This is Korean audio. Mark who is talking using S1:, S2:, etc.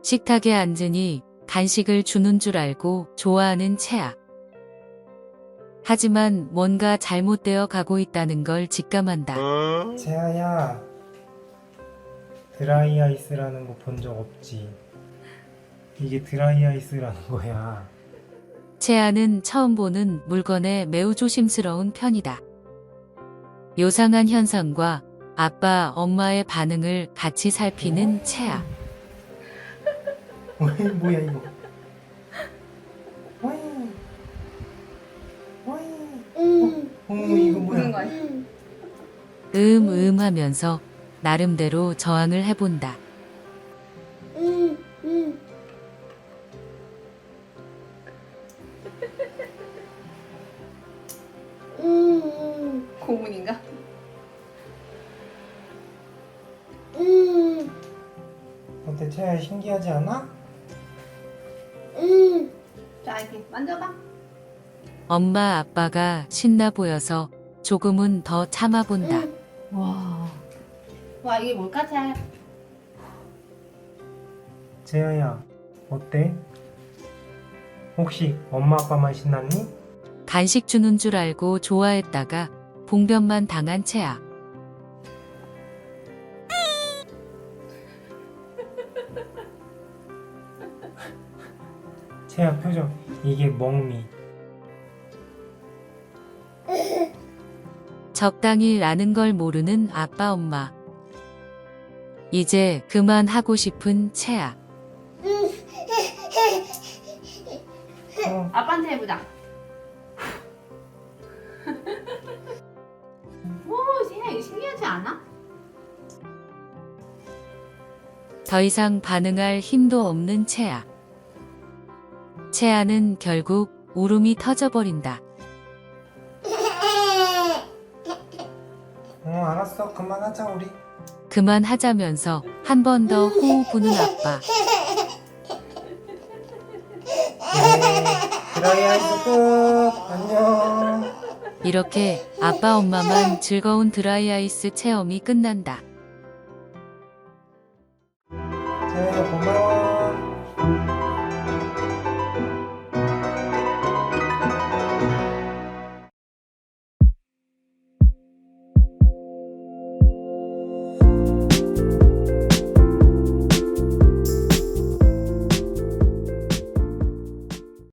S1: 식탁에 앉으니 간식을 주는 줄 알고 좋아하는 채아. 하지만 뭔가 잘못되어 가고 있다는 걸 직감한다.
S2: 채아야, 드라이 아이스라는 거 본 적 없지? 이게 드라이 아이스라는 거야.
S1: 채아는 처음 보는 물건에 매우 조심스러운 편이다. 요상한 현상과 아빠, 엄마의 반응을 같이 살피는 채아.
S2: 어이, 뭐야 이거? 어이, 어이, 이거
S3: 보는
S2: 뭐야?
S3: 거야.
S1: 하면서 나름대로 저항을 해본다.
S3: 고문인가?
S2: 어때, 채아야, 신기하지 않아?
S3: 자, 이렇게 만져봐.
S1: 엄마, 아빠가 신나 보여서 조금은 더 참아본다.
S3: 와, 이게 뭘까, 잘?
S2: 채아야, 어때? 혹시 엄마 아빠만 신났니?
S1: 간식 주는 줄 알고 좋아했다가 봉변만 당한 채아.
S2: 채아 표정, 이게 멍미.
S1: 적당히 라는 걸 모르는 아빠, 엄마. 이제 그만하고 싶은 채아.
S3: 아빠한테 해보자. 오, 세야 이거 신기하지 않아?
S1: 더 이상 반응할 힘도 없는 채아. 채아는 결국 울음이 터져버린다.
S2: 알았어, 그만하자 우리.
S1: 그만하자면서 한 번 더 호흡 부는 아빠.
S2: 드라이 아이스 끝. 안녕.
S1: 이렇게 아빠, 엄마만 즐거운 드라이아이스 체험이 끝난다.